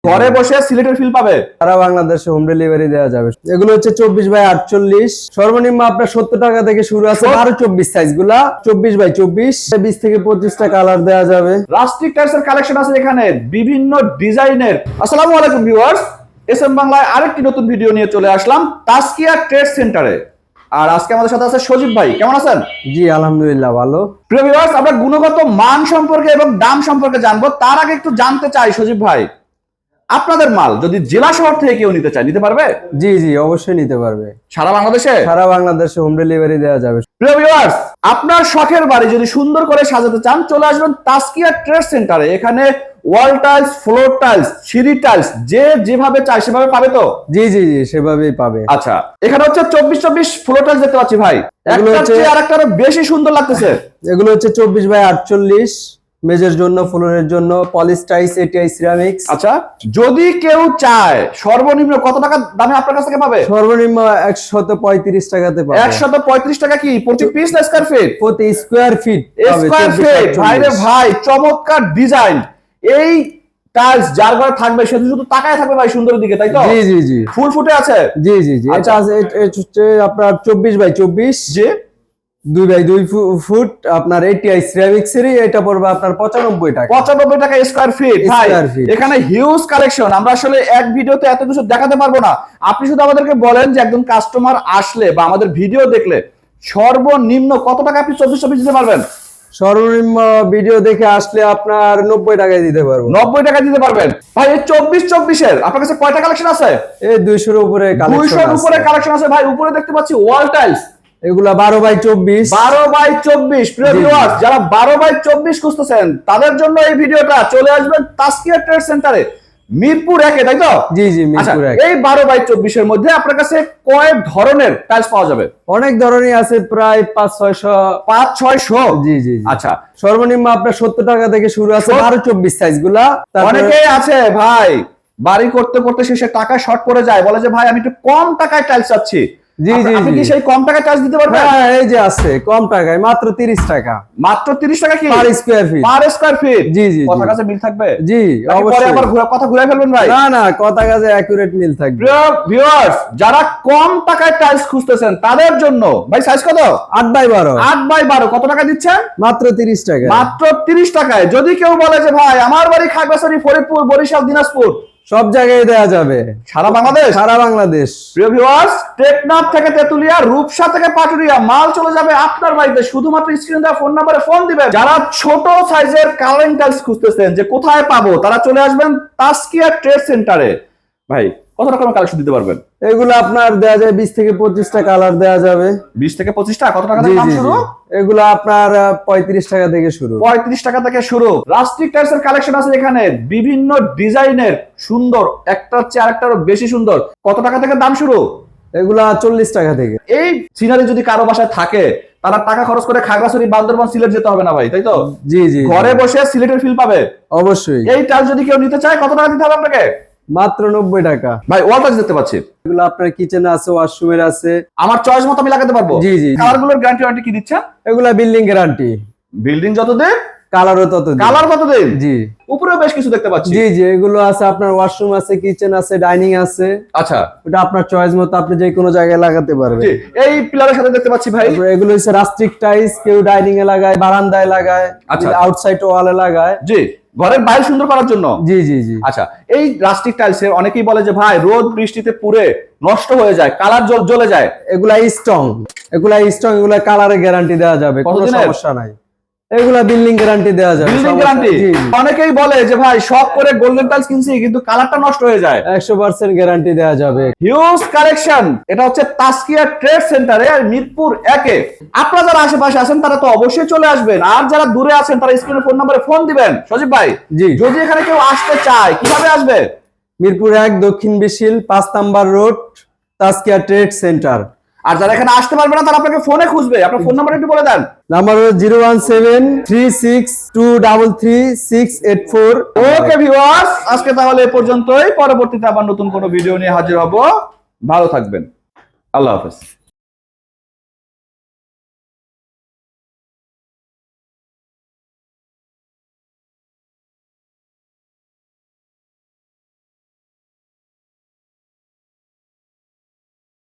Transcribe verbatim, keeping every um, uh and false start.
ঘরে বসে সিলেটের ফিল পাবে, সারা বাংলাদেশে হোম ডেলিভারি দেওয়া যাবে। এগুলো হচ্ছে চব্বিশ বাই আটচল্লিশ, সর্বনিম্ন আপনার সত্তর টাকা থেকে শুরু আছে। আরো চব্বিশ সাইজ গুলা চব্বিশ বাই চব্বিশ, বিশ থেকে পঁচিশটা কালার দেওয়া যাবে। রাস্টিক টাইলস এর কালেকশন আছে এখানে বিভিন্ন ডিজাইনের। আসসালামু আলাইকুম ভিউয়ার্স, এস এম বাংলায় আরেকটি নতুন ভিডিও নিয়ে চলে আসলাম তাসকিয়া ট্রেড সেন্টারে। আর আজকে আমাদের সাথে আছে সজীব ভাই, কেমন আছেন? জি আলহামদুলিল্লাহ ভালো। প্রিয় ভিউয়ার্স, আমরা গুণগত মান সম্পর্কে এবং দাম সম্পর্কে জানবো। তার আগে একটু জানতে চাই সজীব ভাই, আপনাদের মাল যদি জেলা শহর থেকে কেউ নিতে চায় নিতে পারবে? জি জি অবশ্যই নিতে পারবে। সারা বাংলাদেশে? সারা বাংলাদেশে হোম ডেলিভারি দেওয়া যাবে। প্রিয় ভিউয়ার্স, আপনার শখের বাড়ি যদি সুন্দর করে সাজাতে চান চলে আসবেন তাসকিয়া ট্রেড সেন্টারে। এখানে ওয়াল টাইলস, ফ্লোর টাইলস, সিঁড়ি টাইলস যে যেভাবে চায় সেভাবে পাবে তো? জি জি জি সেভাবেই পাবে। আচ্ছা, এখানে হচ্ছে চব্বিশ চব্বিশ ফ্লোর টাইলস দেখতে পাচ্ছি ভাই, একটা হচ্ছে আর একটা বেশি সুন্দর লাগতেছে। এগুলো হচ্ছে চব্বিশ বাই আটচল্লিশ, মেজের জন্য, ফ্লোরের জন্য, পলিশ টাইলস, এটিআই সিরামিক্স। আচ্ছা, যদি কেউ চায় সর্বনিম্ন কত টাকা দামে আপনার কাছ থেকে পাবে? সর্বনিম্ন একশত পঁয়ত্রিশ টাকাতে পাবে। একশত পঁয়ত্রিশ টাকা কি প্রতি পিস না স্কয়ার ফিট? প্রতি স্কয়ার ফিট। Square feet. ভাইরে ভাই, চমৎকার ডিজাইন। এই টাইলস যার ঘরে থাকবে সে শুধু তাকায় থাকবে ভাই সুন্দরের দিকে, তাই তো? জি জি জি ফুল ফুটে আছে। জি জি জি এটা আছে, এটা হচ্ছে আপনার চব্বিশ বাই চব্বিশ, জি দুই বাই দুই ফুট আপনার এটিআই সিরামিক্স এর। এটা পড়বে আপনার পঁচানব্বই টাকা। পঁচানব্বই টাকা স্কয়ার ফিট। ভাই এখানে হিউজ কালেকশন, আমরা আসলে এক ভিডিওতে এত কিছু দেখাতে পারবো না। আপনি শুধু আমাদেরকে বলেন যে একজন কাস্টমার আসলে বা আমাদের ভিডিও দেখলে সর্বনিম্ন কত টাকা আপনি চব্বিশ চব্বিশ দিতে পারবেন? সর্বনিম্ন ভিডিও দেখে আসলে আপনার নব্বই টাকায় দিতে পারবো। নব্বই টাকা দিতে পারবেন। ভাই এই চব্বিশ চব্বিশের আপনার কাছে কয়টা কালেকশন আছে? এই দুইশোর উপরে কালেকশন আছে। দুইশোর উপরে কালেকশন আছে ভাই। উপরে দেখতে পাচ্ছি ওয়াল টাইলস, এগুলা বারো বাই চব্বিশ। বারো বাই চব্বিশ। প্রিয় ভিউয়ার্স, যারা বারো বাই চব্বিশ খুঁজতেছেন তাদের জন্য এই ভিডিওটা। চলে আসবেন তাসকিয়া ট্রেড সেন্টারে, মিরপুর একে, তাই তো? জি জি মিরপুর এক। এই বারো বাই চব্বিশ এর মধ্যে আপনার কাছে কয়েক ধরনের টাইলস পাওয়া যাবে? অনেক ধরনের আছে, প্রায় পাঁচ ছয়শো। পাঁচ ছয়শো? জি জি। আচ্ছা, সর্বনিম্ন আপনার সত্তর টাকা থেকে শুরু আছে বারো চব্বিশ সাইজ গুলা। অনেকেই আছে ভাই বাড়ি করতে করতে শেষে টাকা শর্ট পড়ে যায়, বলে যে ভাই আমি একটু কম টাকায় টাইলস চাচ্ছি। জি জি। আপনি কি সেই কম টাকায় টাইলস দিতে পারবেন? হ্যাঁ এই যে আছে কম টাকায়, মাত্র তিরিশ টাকা। মাত্র তিরিশ টাকা কি per square feet? Per square feet. জি জি। কথা কাছে মিল থাকবে? জি অবশ্যই। পরে আবার কথা ঘুরাই ফেলবেন ভাই? না না, কথা কাছে অ্যাকুরেট মিল থাকবে। প্রিয় ভিউয়ার্স, যারা কম টাকায় টাইলস খুঁজতেছেন তাদের জন্য ভাই সাইজ কত? আট বাই বারো। আট বাই বারো কত টাকা দিচ্ছেন? মাত্র তিরিশ টাকা। মাত্র তিরিশ টাকায়। যদি কেউ বলে যে ভাই আমার বাড়ি খাগড়াছড়ি, ফরিদপুর, বরিশাল, দিনাজপুর, সব জায়গায় দেয়া যাবে। সারা বাংলাদেশ? সারা বাংলাদেশ। প্রিয় ভিউয়ার্স, টেকনাফ থেকে তেতুলিয়া, রূপসা থেকে পাটুরিয়া মাল চলে যাবে আপনার বাড়িতে। শুধুমাত্র স্ক্রিনে দেওয়া ফোন নাম্বারে ফোন দিবেন। যারা ছোট সাইজের কালারিং টাইলস খুঁজতেছেন যে কোথায় পাবো, তারা চলে আসবেন তাসকিয়া ট্রেড সেন্টারে। ভাই কত রকমের কালেকশন দিতে পারবেন? এগুলো আপনার দেয়া যায় বিশ থেকে পঁচিশটা কালার দেয়া যাবে। বিশ থেকে পঁচিশটা? কত টাকা থেকে দাম শুরু? এগুলো আপনার পঁয়ত্রিশ টাকা থেকে শুরু। পঁয়ত্রিশ টাকা থেকে শুরু। রাস্টিক টাইলস এর কালেকশন আছে এখানে বিভিন্ন ডিজাইনের, সুন্দর, একটার চেয়ে আরেকটারও বেশি সুন্দর। কত টাকা থেকে দাম শুরু? এগুলা চল্লিশ টাকা থেকে। এই সিনারি যদি কারো বাসায় থাকে তারা টাকা খরচ করে খাগড়াছড়ি, বান্দরবান, সিলেট যেতে হবে না ভাই, তাই তো? জি জি। ঘরে বসে সিলেটের ফিল পাবে অবশ্যই। এই টাইলস যদি কেউ নিতে চায় কত টাকা দিতে হবে আপনাকে? মাত্র নব্বই টাকা। ভাই ওয়াল টাইলস দেখতে পাচ্ছি, এগুলো আপনার কিচেনে আছে, ওয়াশরুমের আছে। আমার চয়েস মতো আমি লাগাতে পারবো? জি জি। কালারগুলোর গ্যারান্টি ওয়ারেন্টি কি দিচ্ছেন? এগুলা বিল্ডিং গ্যারান্টি। বিল্ডিং যতদিন কালারও ততদিন। কালার কতদিন? জি। উপরেও বেশ কিছু দেখতে পাচ্ছি। জি জি এগুলো আছে আপনার, ওয়াশরুম আছে, কিচেন আছে, ডাইনিং আছে। আচ্ছা, ওটা আপনার চয়েস মতো আপনি যে কোনো জায়গায় লাগাতে পারবেন। জি। এই পিলারের সাথে দেখতে পাচ্ছি ভাই এগুলো হচ্ছে রাস্টিক টাইলস, কেউ ডাইনিং এ লাগায়, বারান্দায় লাগায়, আচ্ছা, আউটসাইড ওয়ালে লাগায়। জি, ঘরের বাইরে সুন্দর করার জন্য। জি জি জি। আচ্ছা, এই রাস্টিক টাইলসে অনেকেই বলে যে ভাই রোদ বৃষ্টিতে পুড়ে নষ্ট হয়ে যায়, কালার জ্বলে যায়। এগুলা স্ট্রং, এগুলা স্ট্রং, এগুলা কালারে গ্যারান্টি দেওয়া যাবে, কোনো সমস্যা নাই। এগুলা বিল্ডিং গ্যারান্টি দেওয়া যাবে। Building guarantee? অনেকেই বলে যে ভাই শখ করে গোল্ডেন টাইলস কিনছি কিন্তু কালারটা নষ্ট হয়ে যায়। একশো পার্সেন্ট গ্যারান্টি দেওয়া যাবে। Huge collection. এটা হচ্ছে তাসকিয়া ট্রেড সেন্টারে, মিরপুর একে। আপনারা যারা আশেপাশে আছেন তারা তো অবশ্যই চলে আসবেন, আর যারা দূরে আছেন তারা স্ক্রিনে ফোন নম্বরে ফোন দিবেন। সজীব ভাই, জি, যদি এখানে কেউ আসতে চায় কিভাবে আসবে? মিরপুর এক, দক্ষিণ বিশিল, পাঁচ number road, Taskia trade centre. আর যারা এখানে আসতে পারবে না তারা আপনাকে ফোনে খুঁজবে। আপনার ফোন নাম্বার একটু বলে দেন। নাম্বার হলো zero one seven three six two double three six eight four. Okay viewers, আজকে তাহলে এ পর্যন্তই। পরবর্তীতে আবার নতুন কোনো ভিডিও নিয়ে হাজির হব। ভালো থাকবেন। আল্লাহ হাফেজ।